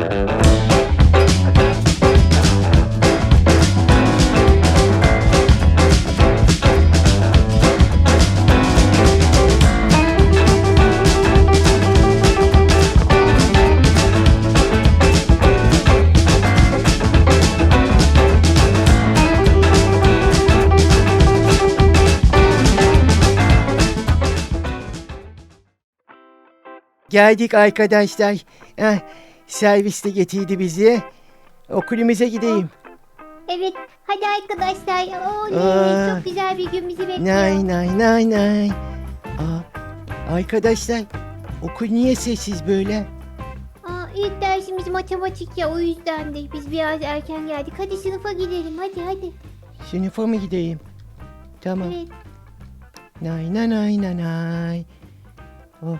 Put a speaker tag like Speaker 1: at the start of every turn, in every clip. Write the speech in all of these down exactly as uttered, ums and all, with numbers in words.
Speaker 1: Geldik arkadaşlar. Eh, servis de getirdi bizi. Okulumuza gideyim.
Speaker 2: Evet, hadi arkadaşlar. Oley,
Speaker 1: Aa.
Speaker 2: çok güzel bir gün bizi bekliyor.
Speaker 1: Nay nay nay nay. Aa, arkadaşlar, okul niye sessiz böyle?
Speaker 2: Aa, ilk dersimiz matematik ya, o yüzden de biz biraz erken geldik. Hadi sınıfa gidelim, hadi hadi.
Speaker 1: Sınıfa mı gideyim? Tamam.
Speaker 2: Evet.
Speaker 1: Nay nay nay nay nay. Oh.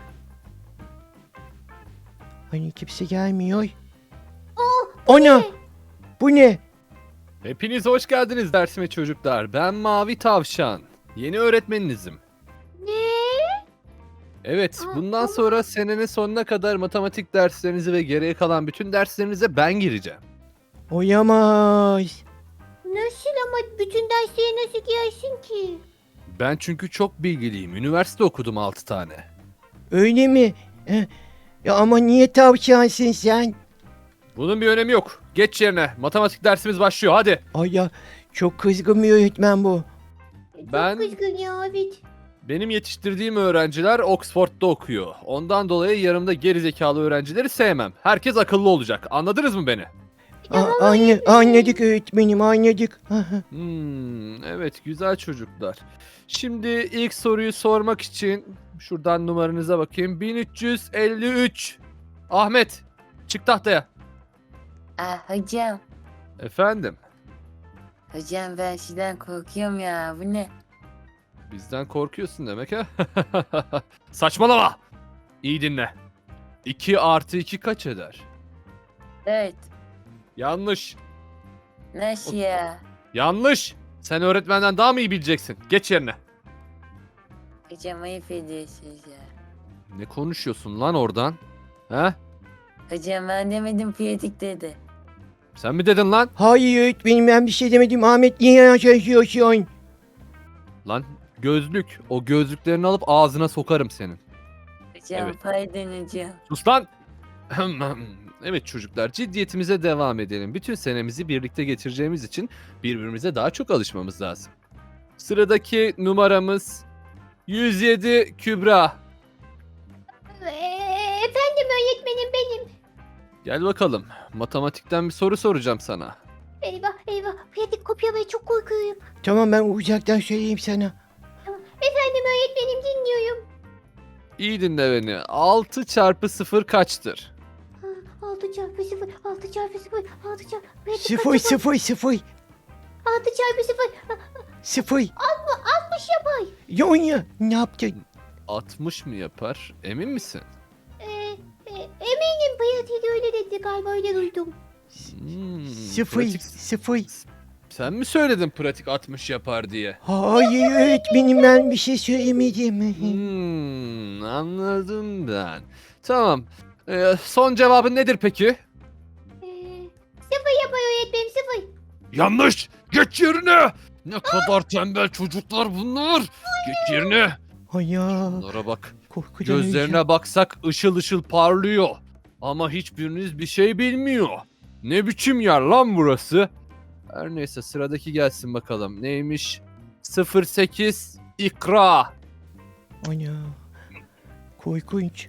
Speaker 1: Hani kimse gelmiyor.
Speaker 2: Oh,
Speaker 1: Ana! Bu ne?
Speaker 3: Hepiniz hoş geldiniz dersime çocuklar. Ben Mavi Tavşan. Yeni öğretmeninizim.
Speaker 2: ne?
Speaker 3: Evet,
Speaker 2: Aa,
Speaker 3: bundan
Speaker 2: ama-
Speaker 3: sonra senenin sonuna kadar matematik derslerinizi ve geriye kalan bütün derslerinize ben gireceğim.
Speaker 1: Oyamaz.
Speaker 2: Nasıl ama bütün derslere nasıl girersin ki?
Speaker 3: Ben çünkü çok bilgiliyim. Üniversite okudum altı tane.
Speaker 1: Öyle mi? Eh, ya ama niye tavşansın sen?
Speaker 3: Bunun bir önemi yok. Geç yerine. Matematik dersimiz başlıyor. Hadi.
Speaker 1: Ay ya, çok kızgın bir öğretmen bu.
Speaker 3: Ben-
Speaker 2: Çok kızgın ya, evet.
Speaker 3: Benim yetiştirdiğim öğrenciler Oxford'da okuyor. Ondan dolayı yanımda gerizekalı öğrencileri sevmem. Herkes akıllı olacak. Anladınız mı beni?
Speaker 1: Aa, anne, anladık öğretmenim, anladık.
Speaker 3: Hmm, evet güzel çocuklar. Şimdi ilk soruyu sormak için şuradan numaranıza bakayım. bin üç yüz elli üç. Ahmet, çık tahtaya.
Speaker 4: Ah hocam,
Speaker 3: Efendim,
Speaker 4: hocam ben şeyden korkuyorum ya. Bu ne?
Speaker 3: bizden korkuyorsun demek ha? Saçmalama. İyi dinle. iki artı iki kaç eder?
Speaker 4: Evet.
Speaker 3: Yanlış.
Speaker 4: Nasıl ya?
Speaker 3: Yanlış. Sen öğretmenden daha mı iyi bileceksin? Geç yerine.
Speaker 4: Hocam ayıp ediyorsunuz ya.
Speaker 3: Ne konuşuyorsun lan oradan? He?
Speaker 4: Hocam ben demedim piyatik dedi.
Speaker 3: Sen mi dedin lan?
Speaker 1: Hayır öğretmenim, ben bir şey demedim. Ahmet, niye yaşıyorsun?
Speaker 3: Lan gözlük. O gözlüklerini alıp ağzına sokarım senin.
Speaker 4: Hocam
Speaker 3: Evet.
Speaker 4: pardon hocam.
Speaker 3: Sus lan! Evet çocuklar, ciddiyetimize devam edelim. Bütün senemizi birlikte geçireceğimiz için birbirimize daha çok alışmamız lazım. Sıradaki numaramız yüz yedi Kübra.
Speaker 2: Ee, efendim öğretmenim benim.
Speaker 3: Gel bakalım. Matematikten bir soru soracağım sana.
Speaker 2: Eyvah eyvah, pratik kopyalamaya çok korkuyorum.
Speaker 1: Tamam, ben uzaktan söyleyeyim sana.
Speaker 2: Efendim öğretmenim, dinliyorum.
Speaker 3: İyi dinle beni. altı çarpı sıfır kaçtır?
Speaker 2: altı çarpı sıfır, altı çarpı sıfır, altı çarpı...
Speaker 1: Sıfır sıfır sıfır
Speaker 2: altı çarpı sıfır,
Speaker 1: sıfır.
Speaker 2: altmış yapar.
Speaker 1: Yonya, ne yaptın?
Speaker 3: altmış mı yapar? Emin misin?
Speaker 2: Ee, e, eminim pratik öyle dedi galiba, öyle duydum.
Speaker 3: Hmm,
Speaker 1: Sıfır
Speaker 3: pratik-
Speaker 1: sıfır.
Speaker 3: Sen mi söyledin pratik altmış yapar diye?
Speaker 1: Hayır öğretmenim, ben bir şey söylemedim.
Speaker 3: Hmm, anladım ben. Tamam. Ee, son cevabın nedir peki?
Speaker 2: Ee, sıfır yapar öğretmenim, sıfır.
Speaker 3: Yanlış. Geç yerine. Ne kadar tembel çocuklar bunlar. Geç yerine.
Speaker 1: Ay ya,
Speaker 3: Bunlara bak.
Speaker 1: korkudan öleceğim.
Speaker 3: Gözlerine baksak ışıl ışıl parlıyor. Ama hiçbiriniz bir şey bilmiyor. Ne biçim yer lan burası? Her neyse sıradaki gelsin bakalım. Neymiş? sıfır sekiz İkra.
Speaker 1: Ana, korkunç.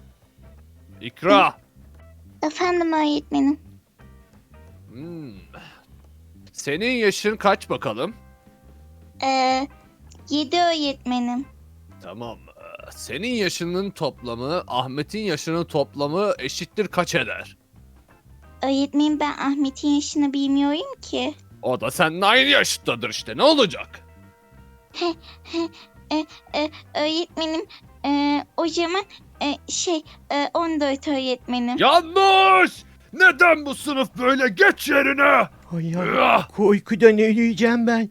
Speaker 3: İkra.
Speaker 5: Efendim öğretmenim.
Speaker 3: Hmm. Senin yaşın kaç bakalım?
Speaker 5: Ee, yedi öğretmenim.
Speaker 3: Tamam. ee, Senin yaşının toplamı Ahmet'in yaşının toplamı eşittir kaç eder?
Speaker 5: Öğretmenim, ben Ahmet'in yaşını bilmiyorum ki.
Speaker 3: O da seninle aynı yaştadır işte. Ne olacak?
Speaker 5: Ee, öğretmenim, ee, o zaman ee, şey ee, on dört öğretmenim.
Speaker 3: Yanlış! Neden bu sınıf böyle? Geç yerine!
Speaker 1: Ay ya,
Speaker 3: Ah!
Speaker 1: korkudan öleceğim ben.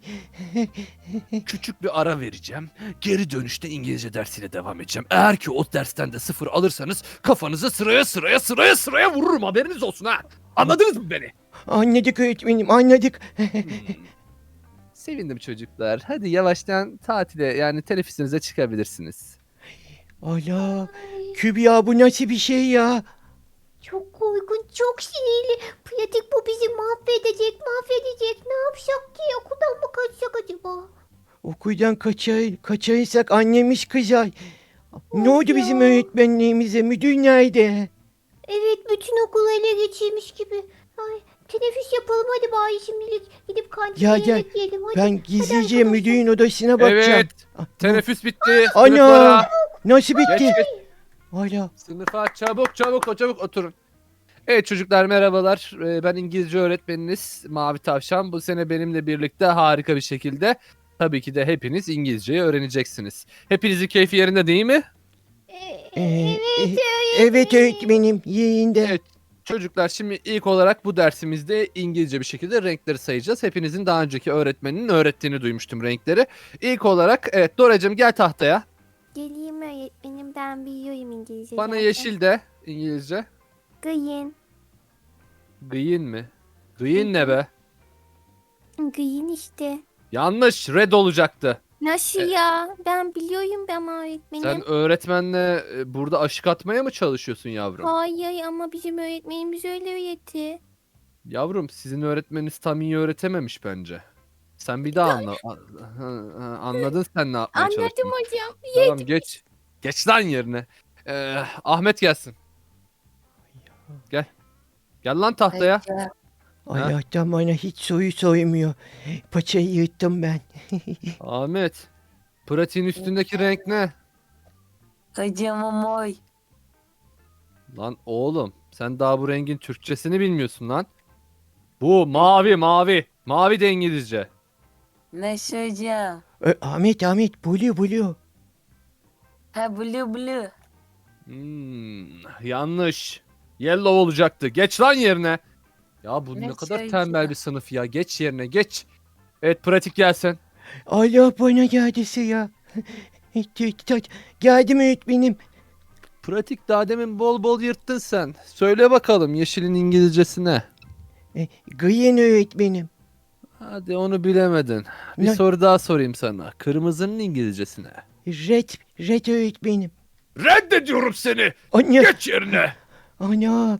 Speaker 3: Küçük bir ara vereceğim. Geri dönüşte İngilizce dersiyle devam edeceğim. Eğer ki o dersten de sıfır alırsanız kafanızı sıraya sıraya sıraya sıraya vururum, haberiniz olsun ha. Anladınız mı beni?
Speaker 1: Anladık öğretmenim, anladık.
Speaker 3: Hmm. Sevindim çocuklar. Hadi yavaştan tatile, yani teneffüsünüze çıkabilirsiniz.
Speaker 1: Ala,
Speaker 2: Ay,
Speaker 1: Kübra bu nasıl bir şey ya?
Speaker 2: çok korkunç, çok sinirli. Pratik bu bizi mahvedecek, mahvedecek. Ne yapsak ki? Okuldan mı kaçsak acaba?
Speaker 1: Okuldan kaçar, kaçarsak annemiz kızar. Ne
Speaker 2: Of
Speaker 1: oldu bizim
Speaker 2: ya.
Speaker 1: öğretmenliğimize? Müdür nerede?
Speaker 2: Evet, bütün okulu ele geçirmiş gibi. Ay, teneffüs yapalım hadi bari şimdilik. Gidip kantine
Speaker 1: Ya gel,
Speaker 2: yemek yiyelim hadi.
Speaker 1: Ben gizlice
Speaker 2: arkadaşlar.
Speaker 1: müdürün odasına bakacağım.
Speaker 3: Evet.
Speaker 1: Ah,
Speaker 3: Teneffüs bitti.
Speaker 1: Ana!
Speaker 3: Sınıflara.
Speaker 1: Nasıl
Speaker 3: Geç
Speaker 1: bitti?
Speaker 3: geç.
Speaker 1: Hala.
Speaker 3: Sınıfa çabuk çabuk çabuk oturun. Evet çocuklar, merhabalar. Ee, Ben İngilizce öğretmeniniz Mavi Tavşan. Bu sene benimle birlikte harika bir şekilde tabii ki de hepiniz İngilizceyi öğreneceksiniz. Hepinizin keyfi yerinde değil mi?
Speaker 2: Ee,
Speaker 1: Ee,
Speaker 2: evet,
Speaker 1: e- evet öğretmenim yeğinde.
Speaker 3: Evet. Çocuklar, şimdi ilk olarak bu dersimizde İngilizce bir şekilde renkleri sayacağız. Hepinizin daha önceki öğretmeninin öğrettiğini duymuştum renkleri. İlk olarak evet Doracığım, gel tahtaya.
Speaker 2: Geleyim öğretmenim, ben biliyorum İngilizce.
Speaker 3: Bana
Speaker 2: zaten.
Speaker 3: yeşil de İngilizce.
Speaker 2: Green.
Speaker 3: Green mi? Green ne be?
Speaker 2: Green işte.
Speaker 3: Yanlış, red olacaktı.
Speaker 2: Nasıl
Speaker 3: E-
Speaker 2: ya? Ben biliyorum ben öğretmenim.
Speaker 3: Sen öğretmenle e, burada aşık atmaya mı çalışıyorsun yavrum?
Speaker 2: Hayır ama bizim öğretmenimiz öyle öğretti.
Speaker 3: Yavrum, sizin öğretmeniniz tam iyi öğretememiş bence. Sen bir daha anla. A- ha- ha, Anladın sen ne yapmaya
Speaker 2: Anladım
Speaker 3: çalıştığını.
Speaker 2: hocam.
Speaker 3: Tamam, geç. Geç lan yerine. Ee, Ahmet gelsin. Gel. Gel lan tahtaya.
Speaker 4: Hocam,
Speaker 1: Allah'tan bana hiç soru sormuyor. Paçayı yırttım ben.
Speaker 3: Ahmet. Pratiğin üstündeki renk ne?
Speaker 4: hocam o moy.
Speaker 3: Lan oğlum, sen daha bu rengin Türkçesini bilmiyorsun lan. Bu mavi mavi. Mavi de İngilizce.
Speaker 4: Nasıl hocam?
Speaker 1: Ö, Ahmet Ahmet blue blue.
Speaker 4: Ha blue blue.
Speaker 3: Hmm, yanlış. Yellow olacaktı. Geç lan yerine. Ya bu ne
Speaker 4: Ne
Speaker 3: kadar
Speaker 4: şey
Speaker 3: tembel
Speaker 4: ya?
Speaker 3: bir sınıf ya. Geç yerine, geç. Evet, pratik gelsin.
Speaker 1: Allah bana geldi sıra. Geldim öğretmenim.
Speaker 3: Pratik, daha demin bol bol yırttın sen. Söyle bakalım yeşilin İngilizcesi ne?
Speaker 1: E, green öğretmenim.
Speaker 3: Hadi onu bilemedin. Bir
Speaker 1: Ne?
Speaker 3: soru daha sorayım sana. Kırmızının İngilizcesi ne?
Speaker 1: Red, red öğretmenim.
Speaker 3: Reddediyorum seni.
Speaker 1: Anne,
Speaker 3: Geç yerine.
Speaker 1: ana.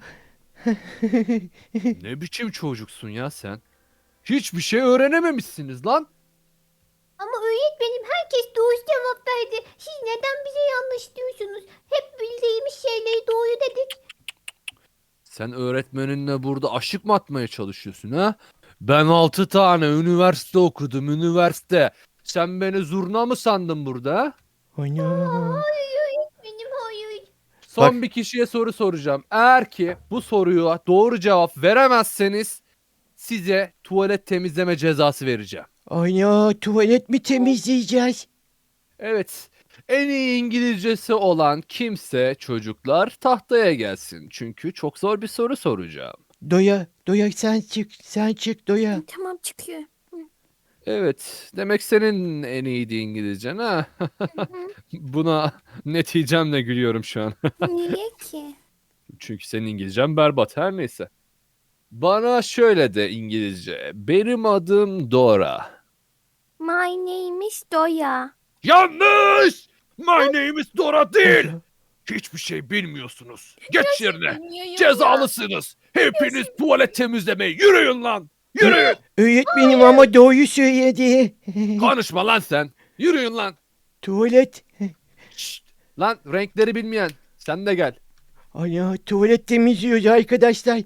Speaker 3: Ne biçim çocuksun ya sen? Hiçbir şey öğrenememişsiniz lan.
Speaker 2: Ama öğretmenim herkes doğru cevap verdi. Siz neden bize yanlış diyorsunuz? Hep bildiğimiz şeyleri doğru dedik.
Speaker 3: Sen öğretmeninle burada aşık mı atmaya çalışıyorsun ha? Ben altı tane üniversite okudum, üniversite. Sen beni zurna mı sandın burada ha?
Speaker 1: Ana.
Speaker 2: Hayır öğretmenim hayır.
Speaker 3: Son
Speaker 1: Bak.
Speaker 3: bir kişiye soru soracağım. Eğer ki bu soruya doğru cevap veremezseniz size tuvalet temizleme cezası vereceğim.
Speaker 1: Ana tuvalet mi temizleyeceğiz?
Speaker 3: Evet. En iyi İngilizcesi olan kimse çocuklar tahtaya gelsin. Çünkü çok zor bir soru soracağım.
Speaker 1: Doya, doya sen çık, sen çık doya.
Speaker 2: Tamam çıkıyor.
Speaker 3: Evet. Demek senin en iyiydi İngilizcen ha? Buna neticemle gülüyorum şu an.
Speaker 2: Niye ki?
Speaker 3: Çünkü senin İngilizcen berbat, her neyse. Bana şöyle de İngilizce. Benim adım Dora.
Speaker 2: My name is Doya.
Speaker 3: Yanlış! My name is Dora değil. Hiçbir şey bilmiyorsunuz. Geç yerine. Cezalısınız. Hepiniz tuvalet temizlemeye yürüyün lan. Yürüyün.
Speaker 1: Öğretmenim ama doğru söyledi.
Speaker 3: Konuşma lan sen. Yürüyün lan.
Speaker 1: Tuvalet.
Speaker 3: Şşt. Lan renkleri bilmeyen. Sen de gel.
Speaker 1: Ana tuvalet temizliyoruz arkadaşlar.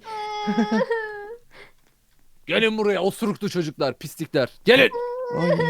Speaker 3: Gelin buraya osuruklu çocuklar, pislikler. Gelin.
Speaker 1: Ana.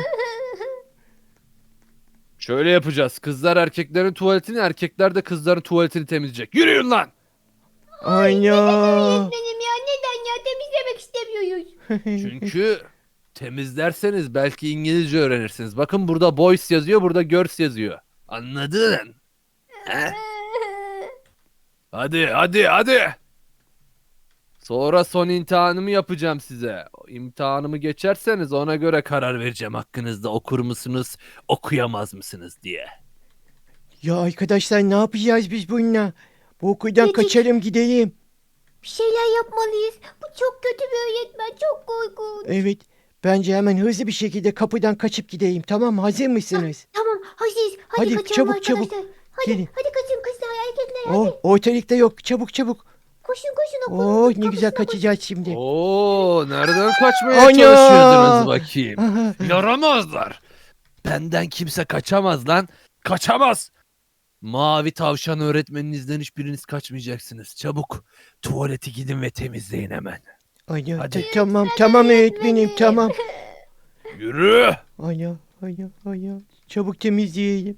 Speaker 3: Şöyle yapacağız. Kızlar erkeklerin tuvaletini, erkekler de kızların tuvaletini temizleyecek. Yürüyün lan.
Speaker 1: Ana.
Speaker 2: Öğretmenim ya neden ya temizlemek istemiyoruz.
Speaker 3: Çünkü temizlerseniz belki İngilizce öğrenirsiniz. Bakın burada boys yazıyor, burada girls yazıyor. Anladın? He? Hadi, hadi, hadi. Sonra son imtihanımı yapacağım size. O İmtihanımı geçerseniz ona göre karar vereceğim hakkınızda okur musunuz, okuyamaz mısınız diye.
Speaker 1: Ya arkadaşlar ne yapacağız biz bununla? Bu okuldan
Speaker 2: Dedik.
Speaker 1: kaçalım gidelim.
Speaker 2: Bir şeyler yapmalıyız. Bu çok kötü bir öğretmen. Çok korkunç.
Speaker 1: Evet. Bence hemen hızlı bir şekilde kapıdan kaçıp gideyim. Tamam mı? Hazır mısınız?
Speaker 2: Tamam hazırız. Hadi,
Speaker 1: Hadi,
Speaker 2: kaçalım
Speaker 1: çabuk,
Speaker 2: arkadaşlar.
Speaker 1: çabuk.
Speaker 2: Hadi,
Speaker 1: Gelin.
Speaker 2: hadi kaçın kızlar erkekler hadi.
Speaker 1: Oh, ortalıkta yok. Çabuk çabuk.
Speaker 2: Koşun koşun okulun
Speaker 1: Oh ne güzel
Speaker 2: kapısına koşun.
Speaker 1: kaçacağız şimdi.
Speaker 3: Oo, nereden kaçmaya
Speaker 1: Ana!
Speaker 3: çalışıyordunuz bakayım?
Speaker 1: Aha.
Speaker 3: Yaramazlar. Benden kimse kaçamaz lan. Kaçamaz. Mavi tavşan öğretmeninizden hiçbiriniz kaçmayacaksınız. Çabuk tuvalete gidin ve temizleyin hemen.
Speaker 1: Ana,
Speaker 3: Hadi.
Speaker 1: ta- tamam tamam öğretmenim tamam.
Speaker 3: Yürü.
Speaker 1: Ana ana ana. Çabuk temizleyelim.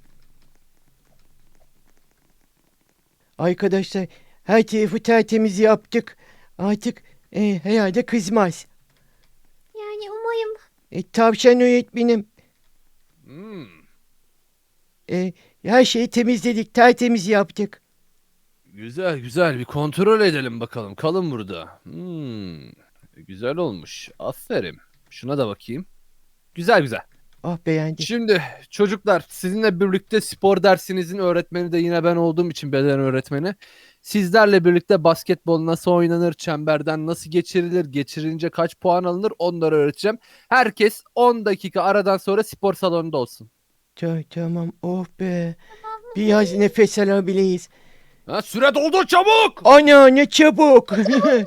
Speaker 1: Arkadaşlar her tarafı tertemiz yaptık. Artık e, herhalde kızmaz.
Speaker 2: Yani umarım.
Speaker 1: E, tavşan öğretmenim.
Speaker 3: Hmm,
Speaker 1: E, her şeyi temizledik, tertemiz yaptık.
Speaker 3: güzel güzel bir kontrol edelim bakalım. Kalın burada. Hmm, güzel olmuş. Aferin. Şuna da bakayım. Güzel güzel.
Speaker 1: Ah beğendim.
Speaker 3: Şimdi çocuklar sizinle birlikte spor dersinizin öğretmeni de yine ben olduğum için beden öğretmeni. Sizlerle birlikte basketbol nasıl oynanır, çemberden nasıl geçirilir, geçirince kaç puan alınır onları öğreteceğim. Herkes on dakika aradan sonra spor salonunda olsun.
Speaker 1: Ta- tamam, oh be. Biraz nefes alabiliriz.
Speaker 3: Ha, süre doldu çabuk!
Speaker 1: Ana ne çabuk.
Speaker 2: Be.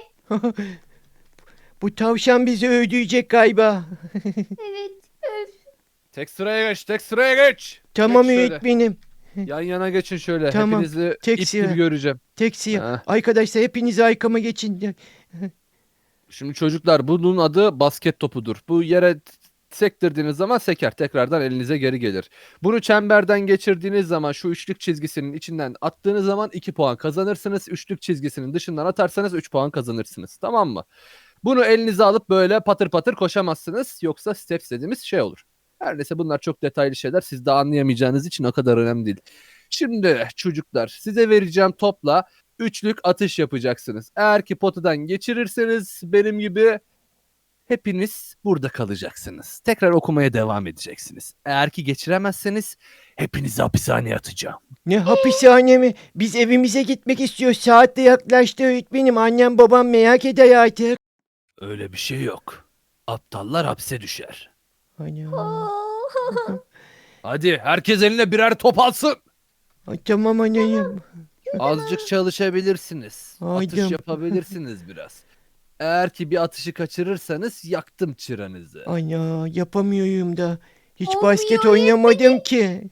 Speaker 1: Bu tavşan bizi öldürecek galiba.
Speaker 2: Evet. Öf.
Speaker 3: Tek sıraya geç, tek sıraya geç.
Speaker 1: Tamam
Speaker 3: Geç şöyle.
Speaker 1: öğretmenim.
Speaker 3: Yan yana geçin şöyle.
Speaker 1: Tamam,
Speaker 3: Hepinizi
Speaker 1: tek
Speaker 3: ip
Speaker 1: sıra.
Speaker 3: gibi göreceğim.
Speaker 1: Tek siyah.
Speaker 3: Ha.
Speaker 1: Arkadaşlar hepiniz arkama geçin.
Speaker 3: Şimdi çocuklar bunun adı basket topudur. Bu yere t- sektirdiğiniz zaman seker. Tekrardan elinize geri gelir. Bunu çemberden geçirdiğiniz zaman şu üçlük çizgisinin içinden attığınız zaman iki puan kazanırsınız. Üçlük çizgisinin dışından atarsanız üç puan kazanırsınız. Tamam mı? Bunu elinize alıp böyle patır patır koşamazsınız. Yoksa steps dediğimiz şey olur. Her neyse bunlar çok detaylı şeyler. Siz de anlayamayacağınız için o kadar önemli değil. Şimdi çocuklar size vereceğim topla üçlük atış yapacaksınız. Eğer ki potadan geçirirseniz benim gibi hepiniz burada kalacaksınız. Tekrar okumaya devam edeceksiniz. Eğer ki geçiremezseniz hepinizi hapishaneye atacağım.
Speaker 1: Ne hapishane mi? Biz evimize gitmek istiyoruz. Saat de yaklaştı öğretmenim. Annem babam merak eder artık.
Speaker 3: Öyle bir şey yok. Aptallar hapse düşer.
Speaker 1: Ana.
Speaker 2: Oh.
Speaker 3: Hadi herkes eline birer top alsın.
Speaker 1: Ay, tamam anayım.
Speaker 3: Azıcık çalışabilirsiniz.
Speaker 1: Haydi.
Speaker 3: Atış yapabilirsiniz biraz. Eğer ki bir atışı kaçırırsanız yaktım çıranızı.
Speaker 1: Ana yapamıyorum da. Hiç
Speaker 2: Olmuyor
Speaker 1: basket oynamadım ki.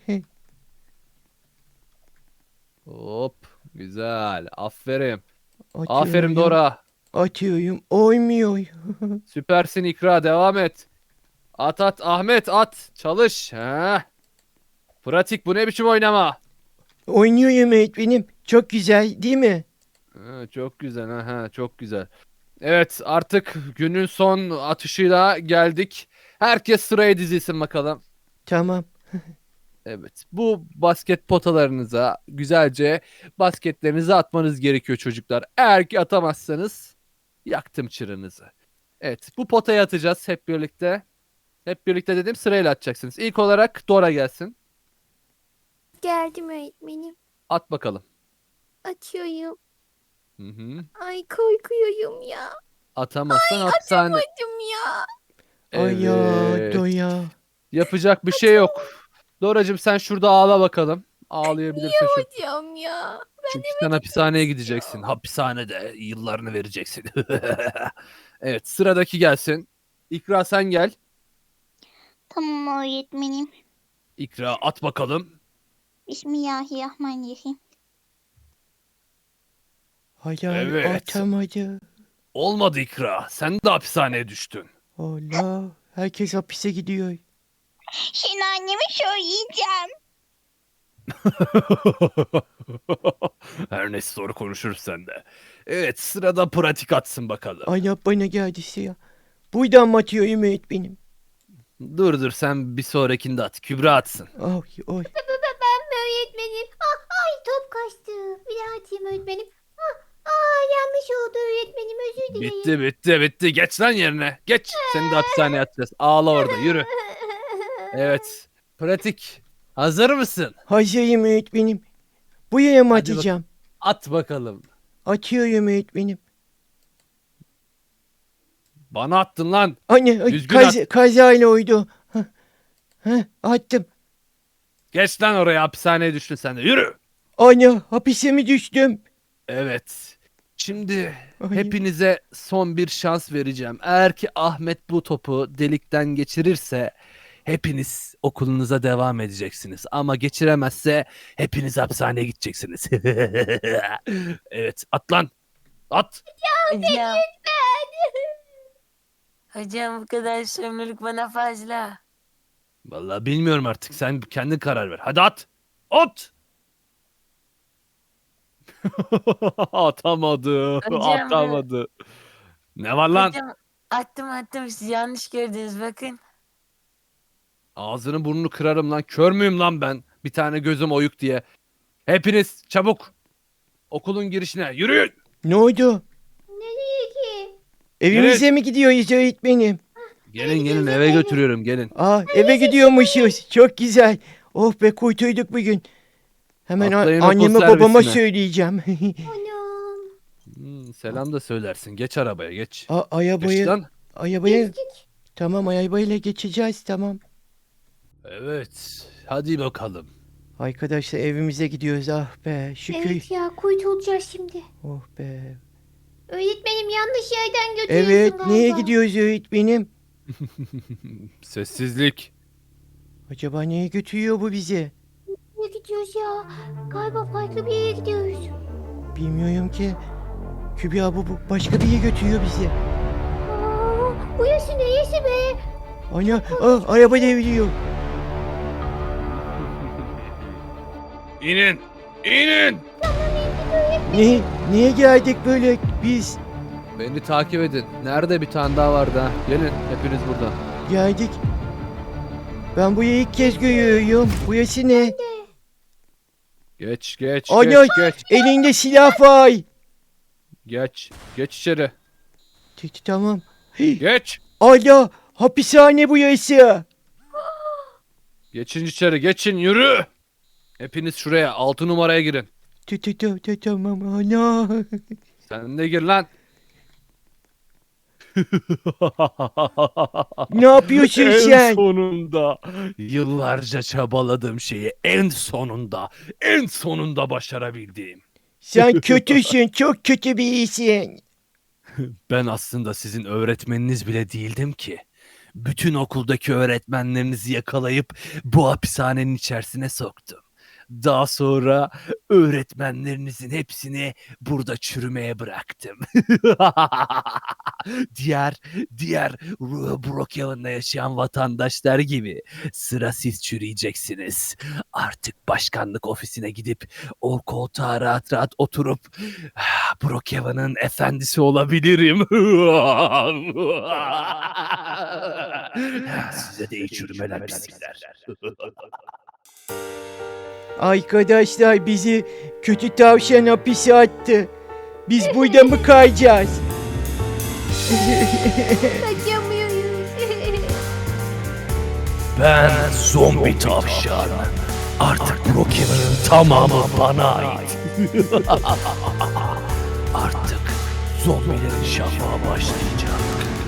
Speaker 3: Hop güzel aferin.
Speaker 1: Atıyorum,
Speaker 3: Aferin Dora.
Speaker 1: Atıyorum. Olmuyor.
Speaker 3: Süpersin İkra devam et. At at Ahmet at. Çalış. Ha. Pratik bu ne biçim oynama.
Speaker 1: Oynuyorum öğretmenim. Çok güzel değil mi?
Speaker 3: Ha, çok güzel ha, ha çok güzel. Evet artık günün son atışıyla geldik. Herkes sıraya dizilsin bakalım.
Speaker 1: Tamam.
Speaker 3: Evet bu basket potalarınıza güzelce basketlerinizi atmanız gerekiyor çocuklar. Eğer ki atamazsanız yaktım çıranızı. Evet bu potaya atacağız hep birlikte. Hep birlikte dedim sırayla atacaksınız. İlk olarak Dora gelsin.
Speaker 2: Geldim öğretmenim.
Speaker 3: At bakalım.
Speaker 2: Açıyorum.
Speaker 3: Hı hı.
Speaker 2: Ay korkuyorum ya.
Speaker 3: Atamazsan hapishane.
Speaker 2: Acım ya.
Speaker 1: Ay ya
Speaker 3: Evet.
Speaker 1: doya.
Speaker 3: Yapacak bir şey yok. Doracığım sen şurada ağla bakalım. Ağlayabilirsin şu.
Speaker 2: Hocam ya.
Speaker 3: Çünkü sen hapishaneye gideceksin. Hapishanede yıllarını vereceksin. Evet sıradaki gelsin. İkra sen gel.
Speaker 5: Tamam öğretmenim.
Speaker 3: İkra at bakalım.
Speaker 5: Bismillahirrahmanirrahim.
Speaker 1: Hayal
Speaker 3: Evet.
Speaker 1: atamadı.
Speaker 3: Olmadı İkra. Sen de hapishaneye düştün.
Speaker 1: Allah. Herkes hapise gidiyor.
Speaker 5: Şimdi anneme söyleyeceğim.
Speaker 3: Her neyse sonra konuşuruz sen de. Evet sırada pratik atsın bakalım.
Speaker 1: Ay ya bana geldi siyah. Buradan mı atıyorum öğretmenim?
Speaker 3: Dur dur sen bir sonrakinde at. Kübra atsın.
Speaker 1: Ay oy.
Speaker 2: Ben mi öğretmenim? Ah, ay top kaçtı. Bir daha atayım öğretmenim. Ah, ah, yanlış oldu öğretmenim özür dilerim.
Speaker 3: Bitti bitti bitti. Geç lan yerine. Geç. Seni de hapishaneye atacağız. Ağla orada yürü. Evet. Pratik. Hazır mısın?
Speaker 1: Hazırım öğretmenim. Buraya mı
Speaker 3: Hadi bak-
Speaker 1: atacağım?
Speaker 3: At bakalım.
Speaker 1: Atıyorum öğretmenim.
Speaker 3: Bana attın lan.
Speaker 1: Anne ay,
Speaker 3: Düzgün
Speaker 1: kaz, kazayla oydu. Hah, hah, attım.
Speaker 3: Geç lan oraya, hapishaneye düştün sen de. Yürü.
Speaker 1: Ana hapise mi düştüm?
Speaker 3: Evet. Şimdi
Speaker 1: Ay.
Speaker 3: hepinize son bir şans vereceğim. Eğer ki Ahmet bu topu delikten geçirirse hepiniz okulunuza devam edeceksiniz. Ama geçiremezse hepiniz hapishaneye gideceksiniz. Evet, at lan. At.
Speaker 4: Hocam. Hocam bu kadar sömürük bana fazla.
Speaker 3: Vallahi bilmiyorum artık. Sen kendin karar ver. Hadi at. At. Atamadı.
Speaker 4: Hocam,
Speaker 3: Atamadı. Ne var lan?
Speaker 4: Hocam attım attım siz yanlış gördünüz bakın.
Speaker 3: Ağzını burnunu kırarım lan. Kör müyüm lan ben? Bir tane gözüm oyuk diye. Hepiniz çabuk. Okulun girişine yürüyün.
Speaker 1: Ne oldu?
Speaker 2: Nereye ki?
Speaker 1: Evimize mi gidiyoruz öğretmenim?
Speaker 3: Gelin gelin eve götürüyorum gelin.
Speaker 1: Aa eve gidiyormuşuz. Çok güzel. Oh be kurtulduk bugün. Hemen a-
Speaker 3: Atlayın okul
Speaker 1: anneme babama
Speaker 3: servisine.
Speaker 1: söyleyeceğim.
Speaker 2: Anam.
Speaker 3: Hmm, selam da söylersin. Geç arabaya geç.
Speaker 1: A-
Speaker 3: Geç
Speaker 1: arabayı,
Speaker 3: lan.
Speaker 1: arabayı.
Speaker 2: Geçtik.
Speaker 1: Tamam arabayla geçeceğiz tamam.
Speaker 3: Evet. Hadi bakalım.
Speaker 1: Arkadaşlar evimize gidiyoruz ah be şükür.
Speaker 2: Evet ya kurtulacağız şimdi.
Speaker 1: Oh be.
Speaker 2: Öğretmenim yanlış yerden götürüyorsun
Speaker 1: Evet
Speaker 2: galiba.
Speaker 1: neye gidiyoruz öğretmenim?
Speaker 3: Sessizlik.
Speaker 1: Acaba neye götürüyor bu bizi?
Speaker 2: Nereye gidiyoruz ya? Galiba farklı bir yere gidiyoruz.
Speaker 1: Bilmiyorum ki. Kübra bu, bu başka bir yere götürüyor bizi.
Speaker 2: Aa, burası neresi be?
Speaker 1: Ana ah, araba devriliyor.
Speaker 3: İnin. İnin.
Speaker 1: Ne, niye geldik böyle biz?
Speaker 3: Beni takip edin. Nerede bir tane daha vardı ha? Gelin hepiniz buradan.
Speaker 1: Geldik. Ben burayı ilk kez görüyorum. Burası ne?
Speaker 3: Geç geç
Speaker 1: Ana
Speaker 3: geç geç.
Speaker 1: elinde silah var.
Speaker 3: Geç. Geç içeri.
Speaker 1: T- t- Tamam. Hii,
Speaker 3: Geç.
Speaker 1: Ana hapishane burası.
Speaker 3: Geçin içeri geçin yürü. Hepiniz şuraya altı numaraya girin.
Speaker 1: T- t- t- t- Tamam ana.
Speaker 3: Sen de gir lan.
Speaker 1: Ne yapıyorsun
Speaker 3: En
Speaker 1: sen?
Speaker 3: sonunda yıllarca çabaladığım şeyi en sonunda en sonunda başarabildim.
Speaker 1: Sen kötüsün. Çok kötü bir iyisin.
Speaker 3: Ben aslında sizin öğretmeniniz bile değildim ki. Bütün okuldaki öğretmenlerinizi yakalayıp bu hapishanenin içerisine soktum. Daha sonra öğretmenlerinizin hepsini burada çürümeye bıraktım. diğer diğer Ru- Brookhaven'da yaşayan vatandaşlar gibi sıra siz çürüyeceksiniz. Artık başkanlık ofisine gidip o koltuğa rahat rahat oturup "Ah, Brookhaven'ın efendisi olabilirim." Size de iyi çürümeler pislikler.
Speaker 1: Arkadaşlar bizi kötü tavşan hapise attı. Biz burada mı kalacağız?
Speaker 2: Kaçamıyoruz.
Speaker 3: Ben zombi tavşan. Artık Brookhaven'ın tamamı bana ait. Artık zombilerin şafağı başlayacak.